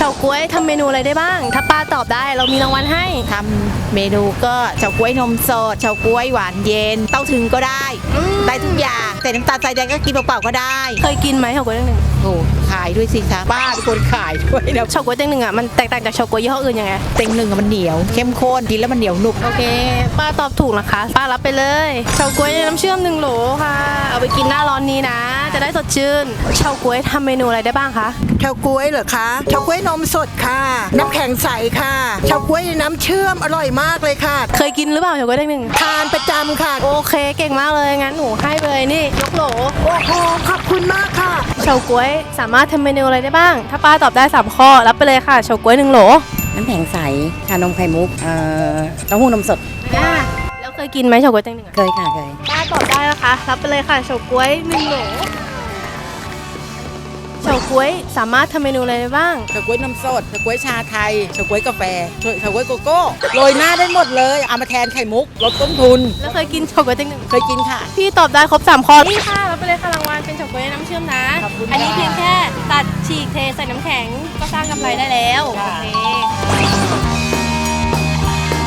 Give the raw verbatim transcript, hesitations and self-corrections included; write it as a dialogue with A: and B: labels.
A: าก๊วยทำเมนูอะไรได้บ้าง ถ้าป้าตอบได้เรามีรางวัลให้
B: ทำเมนูก็เฉาก๊วยนมสดเฉาก๊วยหวานเย็นเต้าถึงก็ได้ได้ทุกอย่างแต่น้ำตาลทรายแดงก็กินเปล่าๆก็ได้
A: เคยกินไหมเฉาก๊วยเต็งหนึ่ง
B: โอ้ขายด้วยสิคะป้าเป็นคนขายด้วยนะ
A: เฉาก๊วยเต็งหนึ่งอ่ะมันแตกต่างจากเฉาก๊วยยี่ห้ออื่นยังไง
B: เต็งหนึ่งอะมันเหนียวเข้มข้นกินแล้วมันเหนียวหนุบ
A: โอเคป้าตอบถูกนะคะป้ารับไปเลยเฉาก๊วยน้ำเชื่อมหนึ่งโหลค่ะเอาไปกินหน้าร้อนนี้นะจะได้สดชื่นเฉาก๊วยทำเมนูอะไรได้บ้างคะ
C: เฉาก๊วยเหรอคะเฉาก๊วยนมสดค่ะน้ำแข็งใสค่ะเฉาก๊วยน้ำเชื่อมอร่อยมากเลยค่ะ
A: เคยกินหรือเปล่าเฉาก๊วยเต็งหนึ่ง
C: ทานประจำค่ะ
A: โอเคเก่งมากเลยงั้นหนูให้เลยนี่ยกโหล
C: โอ้โหขอบคุณมากค่ะ
A: เฉาก๊วยสามารถทำเมนูอะไรได้บ้างถ้าป้าตอบได้สามข้อรับไปเลยค่ะเฉาก๊วยหนึ่งโหล
D: น้ำแข็งใสชานมไข่มุกเอ่อเต้าหู้นมสด
A: อ่าแล้วเคยกินไหมเฉาก๊วยเต็งหนึ่ง
D: เคยค่ะเคย
A: ป้าตอบได้นะคะรับไปเลยค่ะเฉาก๊วยหนึ่งโหลเฉาก๊วยสามารถทำเมนูอะไรได้บ้าง
B: เฉาก๊วยนมสดเฉาก๊วยชาไทยเฉาก๊วยกาแฟเฉาก๊วยโกโก้โรยหน้าได้หมดเลยเอามาแทนไข่มุกลดต้นทุน
A: แล้วเคยกินเฉาก๊วยเต็งหนึ่ง
B: เคยกินค่ะ
A: พี่ตอบได้ครบสามข้อนี่ค่ะรับไปเลยค่ะรางวัลเป็นเฉาก๊วยน้ำเชื่อมนะอันนี้เพียงแค่ตัดฉีกเทใส่น้ำแข็งก็สร้างกำไรได้แล้วโอเค